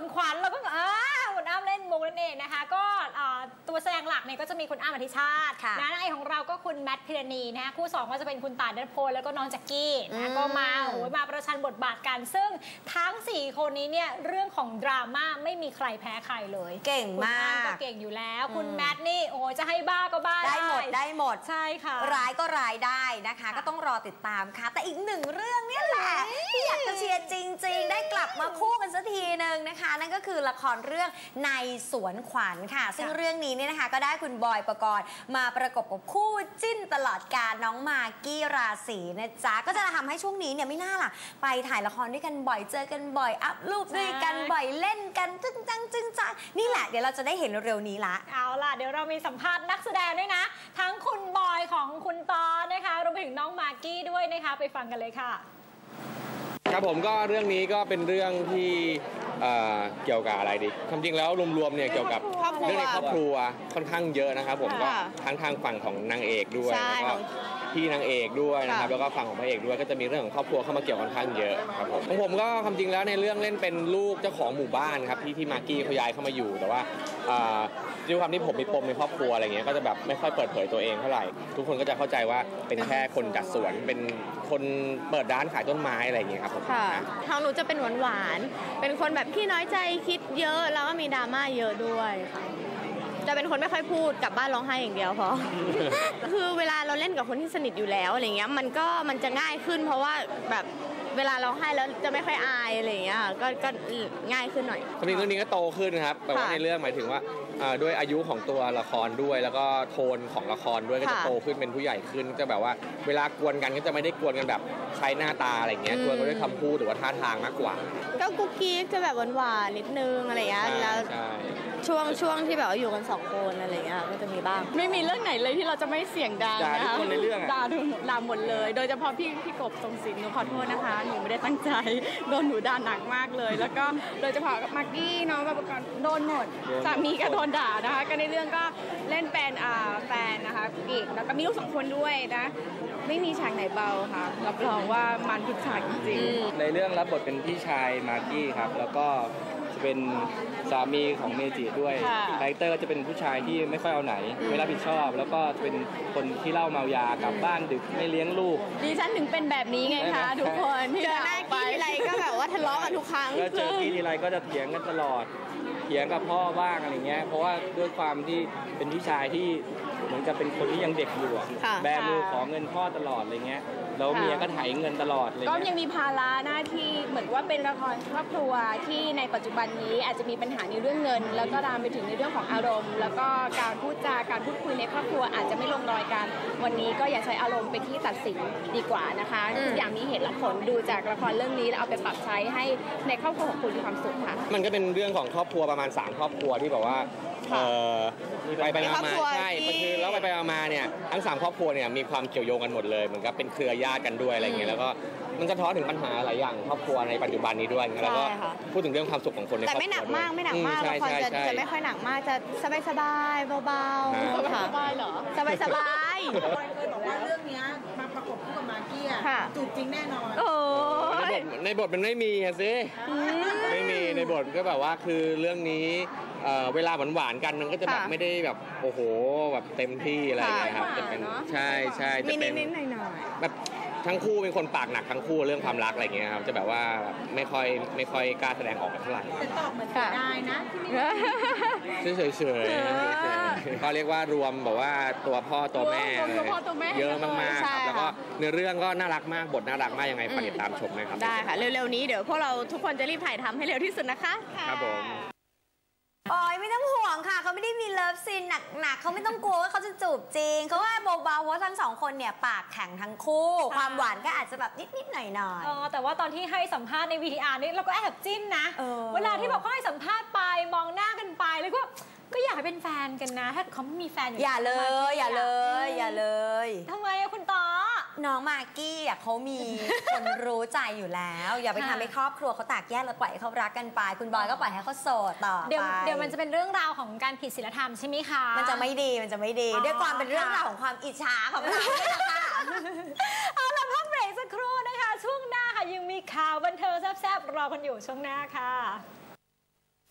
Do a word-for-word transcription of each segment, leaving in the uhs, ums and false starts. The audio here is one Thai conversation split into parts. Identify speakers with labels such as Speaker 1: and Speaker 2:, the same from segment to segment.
Speaker 1: ขวัญเราก็อ่าคุณอ้ำเล่นมุกนั่นเองนะคะก็ตัวแสดงหลักเนี่ยก็จะมีคุณอ้ำอธิชาตินะนางเอกของเราก็คุณแมทพิรณีนะคะคู่สองก็จะเป็นคุณต่ายณัฐพลแล้วก็น้องแจ็คกี้นะก็มาโอ้ยมาประชันบทบาทกันซึ่งทั้งสี่คนนี้เนี่ยเรื่องของดราม่าไม่มีใครแพ้ใครเลย
Speaker 2: เก่งมาก
Speaker 1: คุณอ้ำก็เก่งอยู่แล้วคุณแมทนี่โอ้จะให้บ้าก็บ้า
Speaker 2: ได้หมดได้หมด
Speaker 1: ใช่ค่ะ
Speaker 2: ร้ายก็ร้ายได้นะคะก็ต้องรอติดตามค่ะแต่อีกหนึ่งเรื่องนี่แหละที่อยากจะเชียร์จริงๆได้กลับมาคู่กันสักทีนึงนะคะนั่นก็คือละครเรื่องในสวนขวัญค่ะซึ่งเรื่องนี้เนี่ยนะคะก็ได้คุณบอยปกรณ์มาประกบกับคู่จิ้นตลอดกาลน้องมากกี้ราศีนะจ๊ะก็จะทำให้ช่วงนี้เนี่ยไม่น่าล่ะไปถ่ายละครด้วยกันบ่อยเจอกันบ่อยอัพรูปด้วยกันบ่อยเล่นกันจึ้งจังจึ้งจังนี่แหละเดี๋ยวเราจะได้เห็นเร็วๆนี้ละ
Speaker 1: เอาล่ะเดี๋ยวเรามีสัมภาษณ์นักแสดงด้วยนะทั้งคุณบอยของคุณตอนนะคะรวมไปถึงน้องมากกี้ด้วยนะคะไปฟังกันเลยค่ะ
Speaker 3: ครับผมก็เรื่องนี้ก็เป็นเรื่องที่เกี่ยวกับอะไรดีความจริงแล้วรวมๆเนี่ยเกี่ยวกับเรื่องในครอบครัวค่อนข้างเยอะนะครับผมก็ทั้งทางฝั่งของนางเอกด้วยแล้วก็พี่นางเอกด้วยนะครับแล้วก็ฝั่งของพระเอกด้วยก็จะมีเรื่องของครอบครัวเข้ามาเกี่ยวค่อนข้างเยอะครับผมของผมก็ความจริงแล้วในเรื่องเล่นเป็นลูกเจ้าของหมู่บ้านครับที่ที่มากกี้เขาย้ายเข้ามาอยู่แต่ว่าด้วยความที่ผมมีปมในครอบครัวอะไรเงี้ยก็จะแบบไม่ค่อยเปิดเผยตัวเองเท่าไหร่ทุกคนก็จะเข้าใจว่าเป็นแค่คนจัดสวนเป็นคนเปิดร้านขายต้นไม้อะไรอย่างเงี้ยครับผม
Speaker 4: ค่ะทางหนูจะเป็นหวานๆเป็นคนแบบขี้น้อยใจคิดเยอะแล้วก็มีดราม่าเยอะด้วยค่ะจะเป็นคนไม่ค่อยพูดกลับบ้านร้องไห้อย่างเดียวพอ คือเวลาเราเล่นกับคนที่สนิทอยู่แล้วอะไรเงี้ยมันก็มันจะง่ายขึ้นเพราะว่าแบบเวลาร้องไห้แล้วจะไม่ค่อยอายอะไรเงี้ยก็ก็ง่ายขึ้นหน่อย
Speaker 3: ความจริงเรื่องนี้ก็โตขึ้นครับแต่ว่าในเรื่องหมายถึงว่าด้วยอายุของตัวละครด้วยแล้วก็โทนของละครด้วยก็จะโตขึ้นเป็นผู้ใหญ่ขึ้นจะแบบว่าเวลากวนกันก็จะไม่ได้กวนกันแบบใช้หน้าตาอะไรเงี้ยกวนกันด้วยคำพูดหรือว่าท่าทางมากกว่า
Speaker 4: ก็กุ๊กกิ๊กจะแบบหวานๆนิดนึงอะไรเงี้ยแล้วช่วงช่วงที่แบบว่าอยู่กันสองคนอะไรเงี้ยก็จะมีบ้าง
Speaker 5: ไม่มีเรื่องไหนเลยที่เราจะไม่เสียงดัง
Speaker 3: นะคะด่าทุกคนในเรื่อง
Speaker 5: ด่าด่าหมดเลยโดยเฉพาะพี่พี่กบทรงศิลป์หนูขอโทษนะคะหนูไม่ได้ตั้งใจโดนหนูด่าหนักมากเลยแล้วก็โดยเฉพาะมากกี้น้องแบบโดนหมดสามีก็โดนด่านะคะก็ในเรื่องก็เล่นเป็นแฟนนะคะอีกแล้วก็มีลูกสองคนด้วยนะไม่มีฉากไหนเบาค่ะรับรองว่ามันทุกฉากจริง
Speaker 6: ในเรื่องรับบทเป็นพี่ชายมากกี้ครับแล้วก็จะเป็นสามีของเมจิด้วยคาแรคเตอร์ก็จะเป็นผู้ชายที่ไม่ค่อยเอาไหนไม่รับผิดชอบแล้วก็เป็นคนที่เหล้าเมายากลับบ้านดึกไม่เลี้ยงลูก
Speaker 5: ดิฉันถึงเป็นแบบนี้ไงคะทุกคน
Speaker 4: เจอหน้ากี้ทีไรก็แบบว่าทะเลาะกันทุกครั้ง
Speaker 6: แล้วเจอกี้ทีไรก็จะเถียงกันตลอดเถียงกับพ่อบ้างอะไรเงี้ยเพราะว่าด้วยความที่เป็นพี่ชายที่เหมือนกับเป็นคนที่ยังเด็กอยู่แบมือขอเงินพ่อตลอดอะไรเงี้ยแล้วเมียก็ไถเงินตลอดเลย
Speaker 5: ก็ยังมีภาระหน้าที่เหมือนว่าเป็นละครครอบครัวที่ในปัจจุบันนี้อาจจะมีปัญหาในเรื่องเงินแล้วก็ตามไปถึงในเรื่องของอารมณ์แล้วก็การพูดจาการพูดคุยในครอบครัวอาจจะไม่ลงรอยกันวันนี้ก็อย่าใช้อารมณ์เป็นที่ตัดสินดีกว่านะคะทุกอย่างมีเหตุและผลดูจากละครเรื่องนี้แล้วเอาไปปรับใช้ให้ในครอบครัวของคุณมีความสุขค่ะ
Speaker 3: มันก็เป็นเรื่องของครอบครัวประมาณสามครอบครัวที่แบบว่าไปไปมาใช่คือแล้วไปไปมาเนี่ยทั้งสามครอบครัวเนี่ยมีความเกี่ยวโยงกันหมดเลยเหมือนกับเป็นเครือญาติกันด้วยอะไรเงี้ยแล้วก็มันสะท้อนถึงปัญหาหลายอย่างครอบครัวในปัจจุบันนี้ด้วยแล้วก็พูดถึงเรื่องความสุขของคนในครอบครัว
Speaker 4: แต่ไม่หนักมากไม่หนักมากละครจะจะไม่ค่อยหนักมากจะสบายสบายเบาๆ
Speaker 5: สบายเหรอ
Speaker 4: สบายสบาย
Speaker 7: เคยบอกว่าเรื่องนี้มาประกบคู่กับมากกี้จูบจริงแน่นอน
Speaker 3: ในบทมันไม่มีสิไม่มีในบทก็แบบว่าคือเรื่องนี้เวลาหวานๆกันมันก็จะแบบไม่ได้แบบโอ้โหแบบเต็มที่อะไรอย่างเงี้ยครับจะเป็นใช่ใช่จะเป็นแบบทั้งคู่เป็นคนปากหนักทั้งคู่เรื่องความรักอะไรเงี้ยครับจะแบบว่าไม่ค่อยไม่ค่อยกล้าแสดงออกเท่าไหร่
Speaker 7: แต่ตอบเหมือนกันได้นะ
Speaker 3: ที่เฉยเฉยเขาเรียกว่ารวมแบบว่าตัวพ่อตัวแม่เลยเยอะมากๆแล้วก็ในเรื่องก็น่ารักมากบทน่ารักมากยังไงฝากติดตามชมนะครับ
Speaker 4: ได้ค่ะเร็วๆนี้เดี๋ยวพวกเราทุกคนจะรีบถ่ายทำให้เร็วที่สุดนะคะ
Speaker 3: ครับผม
Speaker 2: โอ้ยไม่ต้องห่วงค่ะเขาไม่ได้มีเลิฟซีนหนักๆเขาไม่ต้องกลัวว่าเขาจะจูบจริงเขาว่าเบาๆเพราะทั้งสองคนเนี่ยปากแข็งทั้งคู่ความหวานก็อาจจะแบบนิดๆหน่อย
Speaker 1: ๆอ๋อแต่ว่าตอนที่ให้สัมภาษณ์ใน วี ที อาร์ นี่เราก็แอบจิ้นนะเวลาที่บอกเขาให้สัมภาษณ์ไปมองหน้ากันไปแล้วก็ก็อยากให้เป็นแฟนกันนะถ้าเขาไม่มีแฟนอยู่
Speaker 2: อย่าเลยอย่าเลยอย่าเลย
Speaker 1: ทำไมอะคุณต่อ
Speaker 2: น้องมากกี้อ่ะเขามีคนรู้ใจอยู่แล้วอย่าไปทำให้ครอบครัวเขาแตกแยกแล้วปล่อยให้เขารักกันไปคุณบอยก็ปล่อยให้เขาโสดต่อไป
Speaker 1: เดี๋ยวเดี๋ยวมันจะเป็นเรื่องราวของการผิดศีลธรรมใช่ไหมคะ
Speaker 2: มันจะไม่ดีมันจะไม่ดีด้วยความเป็นเรื่องราวของความอิจฉาของเราเนี่ยค่ะ
Speaker 1: เอาล่ะพักเบรกสักครู่นะคะช่วงหน้าค่ะยังมีข่าวบันเทิงแซ่บๆรอกันอยู่ช่วงหน้าค่ะ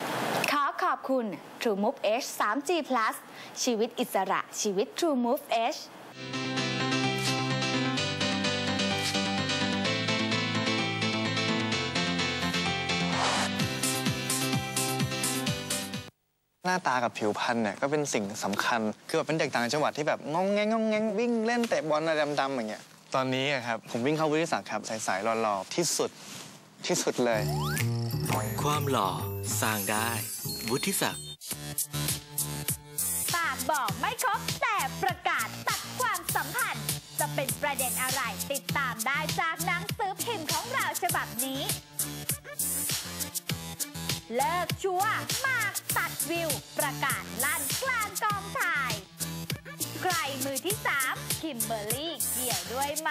Speaker 8: อบคุณ True Move Edge ทรี จี Plus ชีวิตอิสระชีวิต True Move Edge
Speaker 9: หน้าตากับผิวพรรณเนี่ยก็เป็นสิ่งสำคัญคือแบบเป็นเด็กต่างจังหวัดที่แบบงงแงงงงแงงวิ่งเล่นเตะบอลอะไรดำๆอย่างเงี้ยตอนนี้ครับผมวิ่งเข้าวุฒิศักดิ์ครับใสๆหล่อๆที่สุดที่สุดเลย
Speaker 10: ความหล่อสร้างได้วุฒิศักดิ์
Speaker 8: ปากบอกไม่ครบแต่ประกาศตัดความสัมพันธ์จะเป็นประเด็นอะไรติดตามได้จากหนังสือพิมพ์ของเราฉบับนี้เลิกชัวร์มากตัดวิวประกาศลั่นกลางกองถ่ายใครมือที่สามคิมเบอร์รี่เกี่ยวด้วยไหม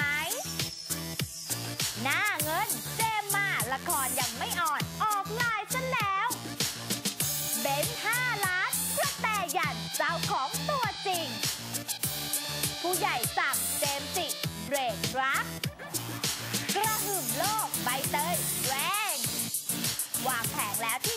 Speaker 8: หน้าเงินเจมมาละครยังไม่อ่อนออกลายซะแล้วเบนซ์ห้าล้านกระแตยันเจ้าของตัวจริงผู้ใหญ่สั่งเจมจิเบรกรักกระหึ่มโลกใบเตยแรงวางแผงแล้วที่